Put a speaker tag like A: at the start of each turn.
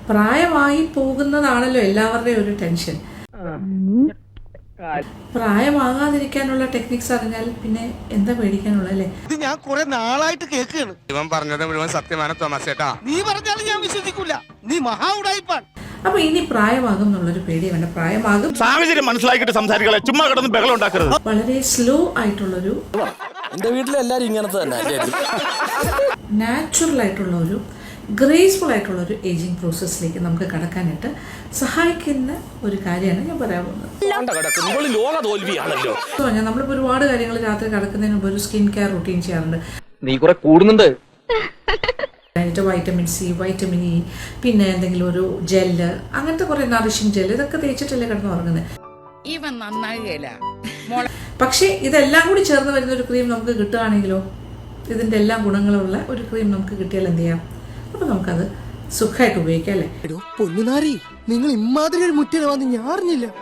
A: പ്രായമായി പോകുന്നതാണല്ലോ എല്ലാവരുടെയും ഒരു ടെൻഷൻ. പ്രായമാകാതിരിക്കാനുള്ള ടെക്നിക്സ് അറിഞ്ഞാൽ പിന്നെ എന്താ പേടിക്കാനുള്ള അല്ലേ?
B: ഇത് ഞാൻ കുറെ നാളായിട്ട് കേൾക്കുകയാണ്.
C: ഇവൻ പറഞ്ഞത് മുഴുവൻ സത്യമാണ് തോമസ് ചേട്ടാ.
B: നീ പറഞ്ഞാലും ഞാൻ വിശ്വസിക്കൂല. നീ മഹാ ഉടായിപ്പാൻ.
A: അപ്പൊ ഇനി പ്രായമാകും എന്നുള്ളൊരു പേടി വേണ്ട. പ്രായമാകും,
D: സാഹചര്യം മനസ്സിലാക്കിയിട്ട് സംസാരികളെ ചുമ്മാ കിടന്ന് ബഹളം ഉണ്ടാക്കരുത്.
A: വളരെ സ്ലോ ആയിട്ടുള്ളൊരു,
E: എന്റെ വീട്ടിലെല്ലാരും ഇങ്ങനത്തെ തന്നെ,
A: നാച്ചുറൽ ആയിട്ടുള്ള ഒരു, ഗ്രേസ്ഫുൾ ആയിട്ടുള്ള ഒരു ഏജിങ് പ്രോസസ്സിലേക്ക് നമുക്ക് കടക്കാനായിട്ട് സഹായിക്കുന്ന ഒരു കാര്യമാണ് ഞാൻ പറയാൻ പോകുന്നത്. നമ്മളിപ്പോൾ ഒരുപാട് കാര്യങ്ങൾ രാത്രി കിടക്കുന്നതിന് മുമ്പ് ഒരു സ്കിൻ കെയർ റൂട്ടീൻ ചെയ്യാറുണ്ട്.
E: നീ കുറെ കൂടുന്നുണ്ട്.
A: വൈറ്റമിൻ സി, വൈറ്റമിൻ ഇ, പിന്നെ എന്തെങ്കിലും ഒരു ജെല്ല്, അങ്ങനത്തെ കുറെ നറിഷിംഗ് ജെല്ല്, ഇതൊക്കെ തേച്ചിട്ടല്ലേ കിടന്ന് ഉറങ്ങുന്നത്. പക്ഷേ ഇതെല്ലാം കൂടി ചേർന്ന് വരുന്ന ഒരു ക്രീം നമുക്ക് കിട്ടുകയാണെങ്കിലോ, ഇതിന്റെ എല്ലാ ഗുണങ്ങളുള്ള ഒരു ക്രീം നമുക്ക് കിട്ടിയാൽ എന്ത് ചെയ്യാം? അപ്പൊ നമുക്കത് സുഖമായിട്ട് ഉപയോഗിക്കാം അല്ലേ?
B: പൊന്നുനാരി, നിങ്ങൾ ഇമാതിരി ഒരു മുറ്റം ഞാൻ അറിഞ്ഞില്ല.